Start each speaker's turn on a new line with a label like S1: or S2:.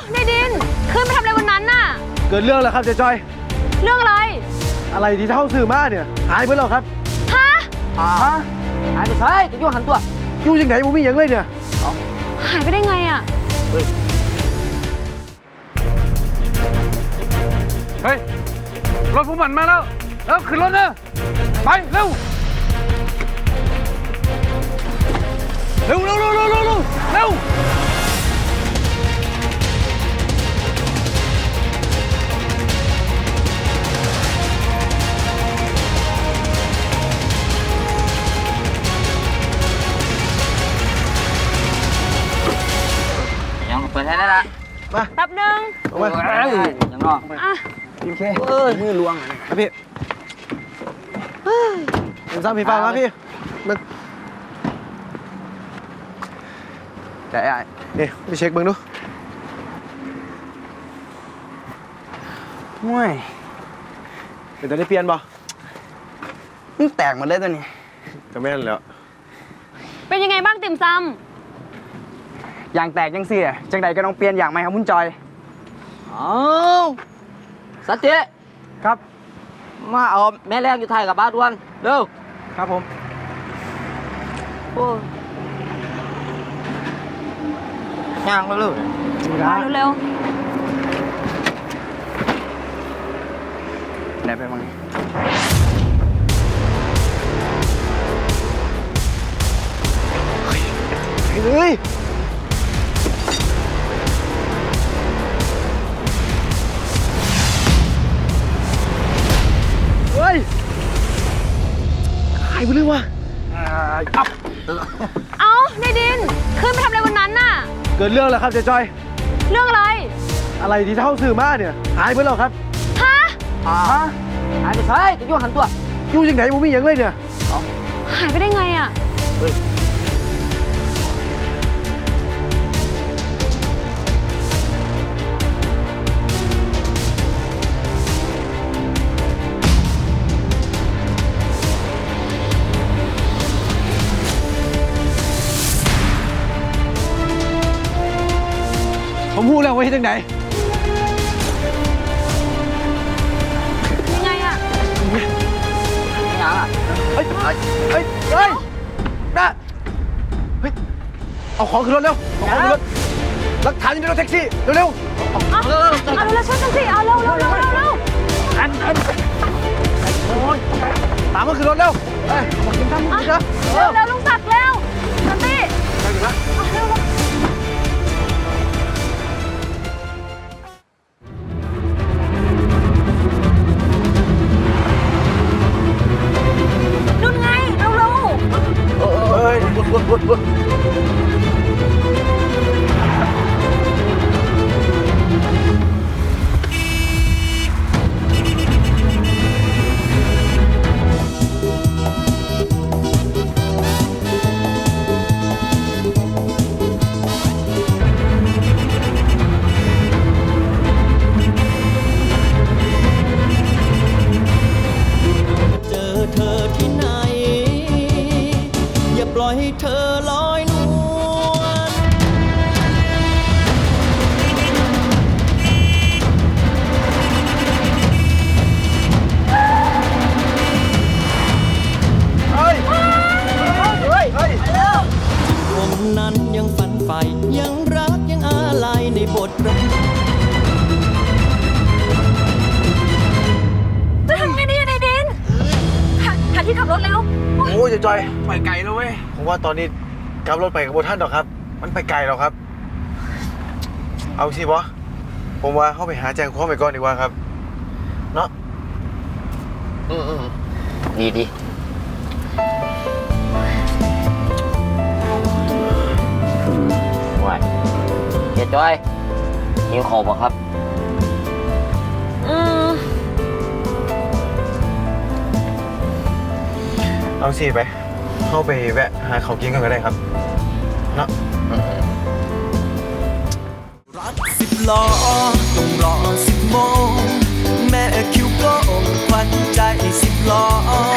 S1: ในดินขึ้นไปทำอะไรวันนั้นน่ะ
S2: เกิดเรื่องแล้วครับเจ๊จอย
S1: เรื่องอะไร
S2: อะไรที่เท่าสื่อมาเนี่ยหายไปแล้วครับ
S1: ฮะ
S3: หายไปใช่จะยุ่งหันตัว
S2: อยู่ยังไงผมมีอย่างเลยเนี่ย
S1: หายไปได้ไงอ่ะ
S4: เฮ้ยรถพวกมันมาแล้วขึ้นรถนะไปเร็วเร็ว
S3: ยังเปิดให้ได้ละ
S2: มา
S1: แป๊บนึง
S2: เอาไว้
S3: ยังนอก
S1: อ่ะ
S2: โอเค
S3: มือลวง
S2: ครับพี่ผมซ้ำพี่ฟังมาพี่มึง
S3: แต่ไอ้
S2: นี่ไปเช็คมึงดู
S3: ห่วย
S2: เดี๋ยวจะได้เปลี่ยนบ่
S3: มันแตกหมดเลยตัวนี้
S2: จะไม่เห็นแล้ว
S1: เป็นยังไงบ้างติ่มซ
S3: ยางแตกยังเสียจังใดก็ต้องเปลี่ยนอย่างไหมครับมุนจอยสัตเจครับมาเอาแม่แรงอยู่ไทยกับบ้านด้วนเร็วครับผมย่างเร็ว
S1: มาเร็ว
S3: ไหนไปมั้ง
S2: เฮ้ยหายไปเลยว่ะ
S1: เอาในดินขึ้นไปทำอะไรวันนั้นน่ะ
S2: เกิดเรื่องแล้วครับเจ๊จอย
S1: เรื่องอะไร
S2: อะไรที่เท่าสื่อมาเนี่ยหายไปแล้วครับ
S1: ฮะ
S3: หายไปใช่จะยุ่งหันตัว
S2: อยู่ยังไงผมมีอย่างเลยเนี่ย
S1: หายไปได้ไงอ่ะ
S2: ผมพูดแล้วว่าที่ตรงไหน
S1: ยังไงอ่ะ
S3: ไม่ยังอ่ะ
S2: เฮ้ยนะเฮ้ยเอาของขึ้นรถเร็วเอาของขึ้นรถหลักฐานอยู่ในรถแท็กซี่เร็ว
S1: เอาเร็วช่วยกันสิเอาเร็ว
S2: ตามมาขึ้นรถเร็วเฮ้ยมากินข้าวมึงนะ
S1: เร็วลุงศักดิ์เร็วนันตี้
S2: ไปถึงแล้ว
S1: เร็วนู่นไงเร็ว
S2: เฮ้ยวุ้
S5: ปล่อยให้เธอลอยนวลผมนั้นยังฝันใฝ่ยังรักยังอาลัยในบทเพลง
S1: จะทำไงดีในดินหาที่ขับรถเร็ว
S2: โอ้ยจอย
S4: ไปไกลแล้วเว้ย
S2: ผมว่าตอนนี้ขับรถไปกับท่านหรอกครับมันไปไกลหรอกครับเอาสิบอผมว่าเข้าไปหาแจ้งความไปก่อนดีกว่าครับเนาะ
S3: ดีว้ายเจ๊จอยหิวข้าวบ่ครับ
S2: เอาสิไปเข้าไปแวะหาเขากินกันก็ได้ครับเนาะ
S5: รัก10 ล้อต้องรอ10 โมงแม่คิวโก้ควันใจ10 ล้อ